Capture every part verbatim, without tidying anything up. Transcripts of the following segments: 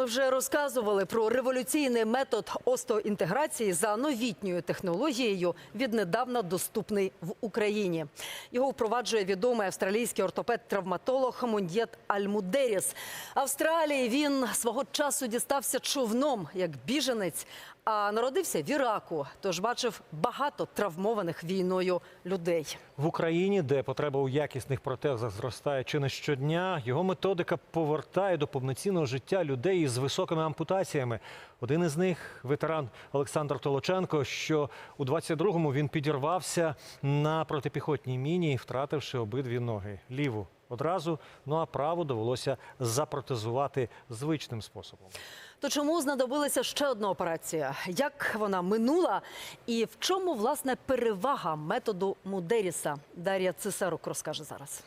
ми вже розказували про революційний метод остеоінтеграції за новітньою технологією, віднедавна доступний в Україні. Його впроваджує відомий австралійський ортопед-травматолог Моньєт Аль-Мудеріс. Австралії він свого часу дістався човном, як біженець, а народився в Іраку, тож бачив багато травмованих війною людей. В Україні, де потреба у якісних протезах зростає чи не щодня, його методика повертає до повноцінного життя людей із високими ампутаціями. Один із них – ветеран Олександр Толоченко, що у двадцять другому він підірвався на протипіхотній міні, втративши обидві ноги. Ліву одразу, ну а праву довелося запротезувати звичним способом. То чому знадобилася ще одна операція? Як вона минула? І в чому, власне, перевага методу Мудеріса? Дар'я Цесарук розкаже зараз.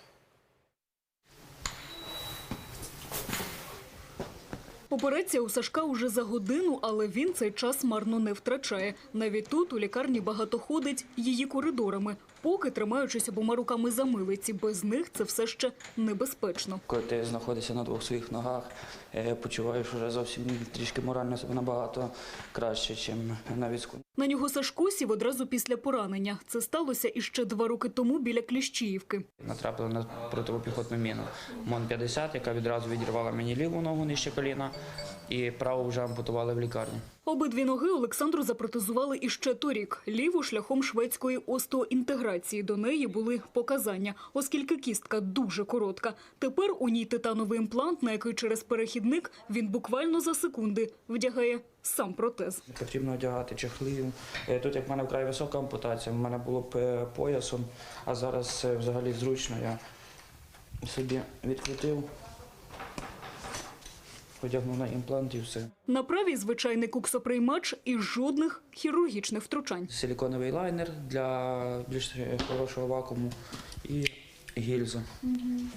Операція у Сашка уже за годину, але він цей час марно не втрачає. Навіть тут у лікарні багато ходить її коридорами, поки тримаючись обома руками за милиці. Без них це все ще небезпечно. Коли ти знаходишся на двох своїх ногах, почуваєш вже зовсім трішки морально себе набагато краще, ніж на візку. На нього Сашко сів одразу після поранення. Це сталося іще два роки тому біля Кліщіївки. Натрапили на протипіхотну міну МОН п'ятдесят, яка відразу відірвала мені ліву ногу нижче коліна, і праву вже ампутували в лікарні. Обидві ноги Олександру запротезували іще торік. Ліву шляхом шведської остеоінтеграції. До неї були показання, оскільки кістка дуже коротка. Тепер у ній титановий імплант, на який через перехідник він буквально за секунди вдягає сам протез. Потрібно одягати чехли. Тут, як в мене вкрай висока ампутація, в мене було б поясом, а зараз взагалі зручно. Я собі відкрутив, одягнув на імплант і все. На правій звичайний куксоприймач і жодних хірургічних втручань. Силіконовий лайнер для більш хорошого вакууму і гільза. Угу.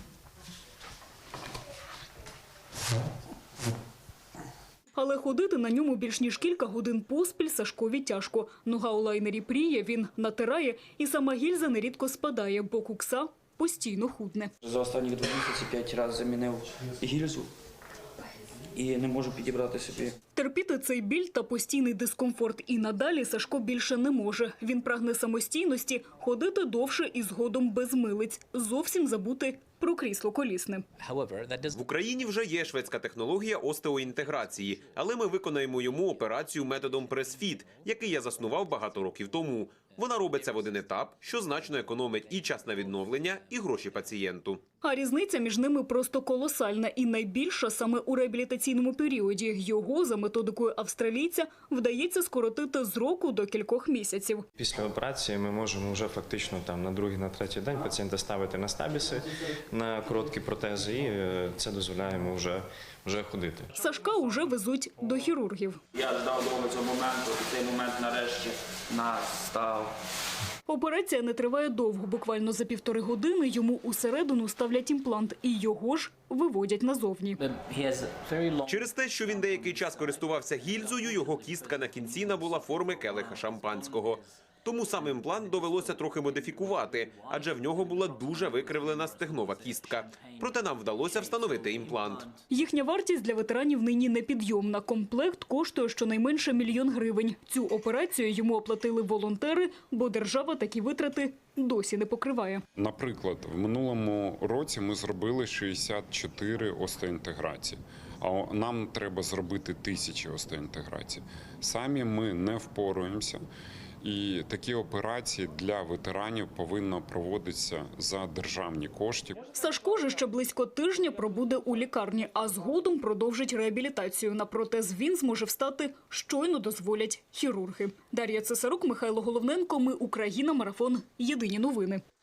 Але ходити на ньому більш ніж кілька годин поспіль Сашкові тяжко. Нога у лайнері пріє, він натирає, і сама гільза нерідко спадає, бо кукса постійно худне. За останні два місяці п'ять разів замінив гільзу і не можу підібрати собі. Терпіти цей біль та постійний дискомфорт і надалі Сашко більше не може. Він прагне самостійності, ходити довше і згодом без милиць, зовсім забути про крісло колісне. В Україні вже є шведська технологія остеоінтеграції, але ми виконаємо йому операцію методом прес-фіт, який я заснував багато років тому. Вона робиться в один етап, що значно економить і час на відновлення, і гроші пацієнту. А різниця між ними просто колосальна і найбільша саме у реабілітаційному періоді. Його, за методикою австралійця, вдається скоротити з року до кількох місяців. Після операції ми можемо вже фактично там на другий, на третій день пацієнта ставити на стабіси, на короткі протези, і це дозволяє йому вже, вже ходити. Сашка уже везуть до хірургів. Я ждав довго цього моменту, і цей момент нарешті настав. Операція не триває довго. Буквально за півтори години йому усередину ставлять імплант і його ж виводять назовні. Через те, що він деякий час користувався гільзою, його кістка на кінці набула форми келиха шампанського. Тому сам імплант довелося трохи модифікувати, адже в нього була дуже викривлена стегнова кістка. Проте нам вдалося встановити імплант. Їхня вартість для ветеранів нині непідйомна. Комплект коштує щонайменше мільйон гривень. Цю операцію йому оплатили волонтери, бо держава такі витрати досі не покриває. Наприклад, в минулому році ми зробили шістдесят чотири остеоінтеграції, а нам треба зробити тисячі остеоінтеграцій. Самі ми не впораємося. І такі операції для ветеранів повинні проводитися за державні кошти. Сашко же ще близько тижня пробуде у лікарні, а згодом продовжить реабілітацію. На протез він зможе встати, щойно дозволять хірурги. Дар'я Цесарук, Михайло Головненко. Ми Україна. Марафон. Єдині новини.